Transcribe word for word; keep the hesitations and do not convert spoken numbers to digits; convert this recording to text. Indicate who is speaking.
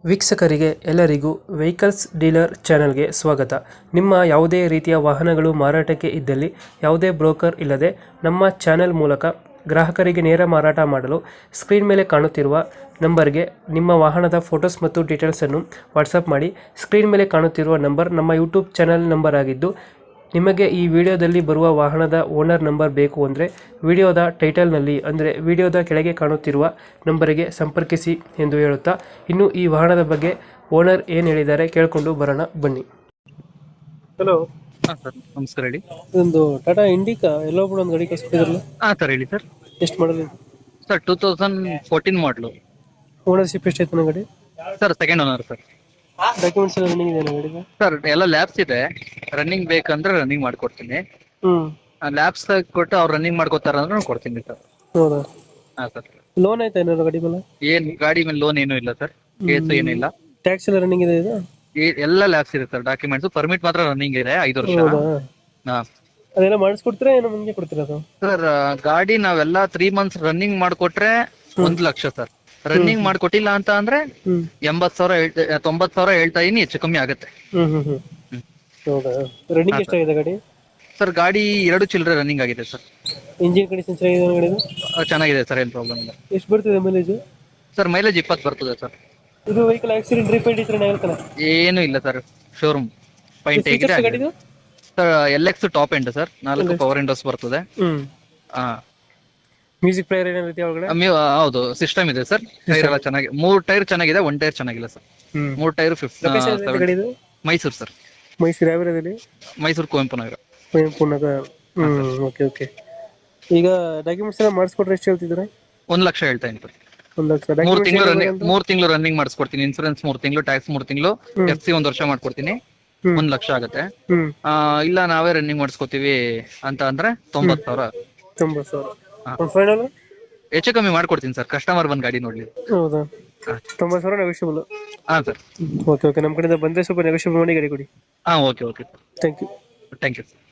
Speaker 1: ವೀಕ್ಷಕರಿಗೆ ಎಲ್ಲರಿಗೂ vehicles dealer ಚಾನೆಲ್ಗೆ ಸ್ವಾಗತ. ನಿಮ್ಮ ಯಾವುದೇ ರೀತಿಯ ವಾಹನಗಳು ಮಾರಾಟಕ್ಕೆ ಇದ್ದಲ್ಲಿ ಯಾವುದೇ ಬ್ರೋಕರ್ ಇಲ್ಲದೆ ನಮ್ಮ ಚಾನೆಲ್ ಮೂಲಕ ಗ್ರಾಹಕರಿಗೆ ನೇರ ಮಾರಾಟ ಮಾಡಲು ಸ್ಕ್ರೀನ್ ಮೇಲೆ ಕಾಣುತ್ತಿರುವ ನಂಬರ್ಗೆ ನಿಮ್ಮ ವಾಹನದ ಫೋಟೋಸ್ ಮತ್ತು ಡೀಟೇಲ್ಸನ್ನು ವಾಟ್ಸಪ್ ಮಾಡಿ. ಸ್ಕ್ರೀನ್ ಮೇಲೆ ಕಾಣುತ್ತಿರುವ ನಂಬರ್ ನಮ್ಮ ಯೂಟ್ಯೂಬ್ ಚಾನೆಲ್ ನಂಬರ್ ಆಗಿದ್ದು, ನಿಮಗೆ ಈ ವಿಡಿಯೋದಲ್ಲಿ ಬರುವ ವಾಹನದ ಓನರ್ ನಂಬರ್ ಬೇಕು ಅಂದರೆ ವಿಡಿಯೋದ ಟೈಟಲ್ನಲ್ಲಿ ಅಂದರೆ ವಿಡಿಯೋದ ಕೆಳಗೆ ಕಾಣುತ್ತಿರುವ ನಂಬರಿಗೆ ಸಂಪರ್ಕಿಸಿ ಎಂದು ಹೇಳುತ್ತಾ, ಇನ್ನು ಈ ವಾಹನದ ಬಗ್ಗೆ ಓನರ್ ಏನು ಹೇಳಿದ್ದಾರೆ ಕೇಳಿಕೊಂಡು ಬರೋಣ ಬನ್ನಿ. ಹಲೋ
Speaker 2: ಹಾ ಸರ್, ನಮಸ್ಕಾರ ಹೇಳಿ.
Speaker 1: ಒಂದು ಟಾಟಾ ಇಂಡಿಕಾ ಎಲ್ಲೋ ಕೂಡ ಒಂದು ಗಾಡಿ ಕಳಿಸ್ಕೊಟ್ಟಿದ್ರಲ್ಲ,
Speaker 2: ಹಾ ಸರ್ ಹೇಳಿ ಸರ್.
Speaker 1: ಎಷ್ಟು ಮಾಡಲ್ ಇದು?
Speaker 2: ಸರ್ ಟೂ ತೌಸಂಡ್ ಫೋರ್ಟೀನ್ ಮಾಡಲು.
Speaker 1: ಓನರ್ಶಿಪ್ ಎಷ್ಟೈತೆ ನನ್ನ ಗಾಡಿ?
Speaker 2: Sir second owner sir.
Speaker 1: Documents ಎಲ್ಲ ರನ್ನಿಂಗ್ ಇದೆ ಗಾಡಿಗೆ?
Speaker 2: ಸರ್ ಎಲ್ಲ ಲ್ಯಾಬ್ಸ್ ಇದೆ, ರನ್ನಿಂಗ್ ಬೇಕಂದ್ರೆ ರನ್ನಿಂಗ್ ಮಾಡ್ಕೊಡ್ತೀನಿ.
Speaker 1: ಹ್ಮ್
Speaker 2: ಲ್ಯಾಬ್ಸ್ ಕೊಟ್ಟು ಅವ್ರು ರನ್ನಿಂಗ್ ಮಾಡ್ಕೊತಾರ ಅಂದ್ರೆ ಕೊಡ್ತೀನಿ ಸರ್.
Speaker 1: ಹೌದಾ?
Speaker 2: ಹಾ ಸರ್.
Speaker 1: ಲೋನ್ ಆಯ್ತಾ ಏನಾದ್ರು ಗಾಡಿ ಮೇಲೆ?
Speaker 2: ಏನ್ ಗಾಡಿ ಮೇಲೆ ಲೋನ್ ಏನೂ ಇಲ್ಲ ಸರ್, ಕೇಸು ಏನಿಲ್ಲ.
Speaker 1: ಟ್ಯಾಕ್ಸ್ ಎಲ್ಲ ರನ್ನಿಂಗ್ ಇದೆ ಇದು?
Speaker 2: ಏ- ಎಲ್ಲ ಲ್ಯಾಬ್ಸ್ ಇದೆ ಸರ್, ಡಾಕ್ಯುಮೆಂಟ್ಸ್ ಪರ್ಮಿಟ್ ಮಾತ್ರ ರನ್ನಿಂಗ್ ಇದೆ ಐದು ವರ್ಷ.
Speaker 1: ಹೌದಾ?
Speaker 2: ಹಾ
Speaker 1: ಅದೆಲ್ಲ ಮಾಡಿಸ್ಕೊಡ್ತೀರಾ ಏನು ಮುಂದೆ ಕೊಡ್ತೀರಾ ಅದು?
Speaker 2: ಸರ್, ಗಾಡಿ ನಾವೆಲ್ಲ ತ್ರೀ ಮಂತ್ಸ್ ರನ್ನಿಂಗ್ ಮಾಡ್ಕೊಟ್ರೆ ಒಂದ್ ಲಕ್ಷ ಸರ್. ರನ್ನಿಂಗ್ ಮಾಡ್ಕೊಟ್ಟಿಲ್ಲ ಅಂತ ಅಂದ್ರೆ
Speaker 1: ಹ್ಮ್
Speaker 2: ಎಂಬತ್ ಸಾವಿರ ಹೇಳ್ತಾ- ತೊಂಬತ್ ಸಾವಿರ ಹೇಳ್ತಾ ಇದೀನಿ, ಹೆಚ್ಚು ಕಮ್ಮಿ ಆಗುತ್ತೆ.
Speaker 1: ಹ್ಮ್ ಹ್ಮ್ ಹ್ಮ್
Speaker 2: ಹ್ಮ್.
Speaker 1: ಹೌದಾ? ರನ್ನಿಂಗ್
Speaker 2: ಹಾ,
Speaker 1: ಎಷ್ಟಾಗಿದೆ ಗಾಡಿ?
Speaker 2: ಸರ್ ಗಾಡಿ ಎರಡು ಚಿಲ್ಲರೆ ರನ್ನಿಂಗ್ ಆಗಿದೆ ಸರ್.
Speaker 1: ಇಂಜಿನ್ ಕಂಡೀಷನ್ ಚೆನ್ನಾಗಿದೆ ಗಾಡಿದು?
Speaker 2: ಆ, ಚೆನ್ನಾಗಿದೆ ಸರ್, ಏನ್ ಪ್ರಾಬ್ಲಮ್ ಇಲ್ಲ.
Speaker 1: ಎಷ್ಟು ಬರ್ತಿದೆ ಮೈಲೇಜ್?
Speaker 2: ಸರ್ ಮೈಲೇಜ್ ಇಪ್ಪತ್ತು ಬರ್ತದೆ ಸರ್.
Speaker 1: ಇದು ವೆಹಿಕಲ್ ಆಕ್ಸಿಡೆಂಟ್ ರಿಪೇಂಟ್ ಇದ್ರೆ ಆಗುತ್ತಲ್ಲ?
Speaker 2: ಏನು ಇಲ್ಲ ಸರ್, ಶೋರೂಮ್ ಪಾಯಿಂಟ್ ಹೇಗಿದೆ.
Speaker 1: ಫೀಚರ್ಸ್ ಗಾಡಿದು?
Speaker 2: Sir L X top end sir, ನಾಲ್ಕು
Speaker 1: L X.
Speaker 2: ಪವರ್ ವಿಂಡೋಸ್ ಬರ್ತದೆ.
Speaker 1: ಹ್ಮ್
Speaker 2: ಹಾ
Speaker 1: ಮ್ಯೂಸಿಕ್ ಪ್ಲೇಯರ್ ಏನಾದ್ರು ಇದೆಯಾ ಒಳಗಡೆ?
Speaker 2: ಮ್ಯೂ- ಹೌದು, ಸಿಸ್ಟಮ್ ಇದೆ ಸರ್. ಟೈರ್ ಎಲ್ಲ ಚೆನ್ನಾಗಿ, ಮೂರ್ ಟೈರ್ ಚೆನ್ನಾಗಿದೆ, ಒನ್ ಟೈರ್ ಚೆನ್ನಾಗಿಲ್ಲ ಸರ್.
Speaker 1: ಹ್ಮ್
Speaker 2: ಮೂರ್ ಟೈರ್
Speaker 1: ಲೊಕೇಶನ್ ಎಲ್ಲಿದೆ
Speaker 2: ಫಿಫ್ಟಿ.
Speaker 1: ಗಾಡಿದು?
Speaker 2: ಮೈಸೂರು ಸರ್,
Speaker 1: ಮೈಸೂರು ಯಾವ ಏರಿಯಾದಲ್ಲಿ?
Speaker 2: ಮೈಸೂರು ಕುವೆಂಪು ನಗರ.
Speaker 1: ಕುವೆಂಪು ನಗರ. ಹ್ಮ್ ಓಕೆ ಓಕೆ. ಈಗ ಡಾಕ್ಯುಮೆಂಟ್ಸ್ ಎಲ್ಲ ಮಾಡಿಸ್ಕೊಟ್ರೆ ಎಷ್ಟು ಹೇಳ್ತಿದ್ರೆ?
Speaker 2: ಒಂದ್ ಲಕ್ಷ ಹೇಳ್ತಾ ಇದ್ದೀನಿ ಸರ್.
Speaker 1: ಒಂದು ಲಕ್ಷ
Speaker 2: ಮೂರ್ ತಿಂಗಳು ರನ್ನಿಂಗ್
Speaker 1: ಡಾಕ್ಯುಮೆಂಟ್ಸ್?
Speaker 2: ಮೂರ್ ತಿಂಗಳು ರನ್ನಿಂಗ್ ಮಾಡಿಸ್ಕೊಡ್ತೀನಿ. ಇನ್ಸೂರೆನ್ಸ್ ಮೂರ್ ತಿಂಗಳು, ಟ್ಯಾಕ್ಸ್ ಮೂರ್ ತಿಂಗಳು,
Speaker 1: ಹ್ಮ್.
Speaker 2: ಎಫ್ ಸಿ ಒಂದ್ ವರ್ಷ ಮಾಡ್ಕೊಡ್ತೀನಿ.
Speaker 1: ಹ್ಮ್
Speaker 2: ಒಂದ್ ಲಕ್ಷ ಆಗುತ್ತೆ.
Speaker 1: ಹ್ಮ್
Speaker 2: ಆ, ಇಲ್ಲ ನಾವೇ ರನ್ನಿಂಗ್ ಮಾಡಿಸ್ಕೊತೀವಿ ಅಂತ ಅಂದ್ರೆ ತೊಂಬತ್ ಸಾವಿರ.
Speaker 1: ತೊಂಬತ್ತು ಸಾವಿರ.
Speaker 2: ಹಾ.
Speaker 1: ಒಂದು ಫೈನಲ್?
Speaker 2: ಹೆಚ್ಚು ಕಮ್ಮಿ ಮಾಡ್ಕೊಡ್ತೀನಿ ಸರ್, ಕಸ್ಟಮರ್ ಬಂದ್ ಗಾಡಿ ನೋಡ್ಲಿ.
Speaker 1: ಹೌದಾ?
Speaker 2: ಹಾ.
Speaker 1: ತೊಂಬತ್ತು ಸಾವಿರ ನೆಗೋಷಿಯಬಲ್?
Speaker 2: ಹಾ ಸರ್.
Speaker 1: Okay okay. ನಮ್ಮ ಕಡೆಯಿಂದ ಬಂದರೆ ಸ್ವಲ್ಪ ನೆಗೋಷಿಯಬಲ್ ಮಾಡಿ ಗಾಡಿ ಕೊಡಿ.
Speaker 2: ಹಾ okay okay
Speaker 1: thank you.
Speaker 2: Thank you.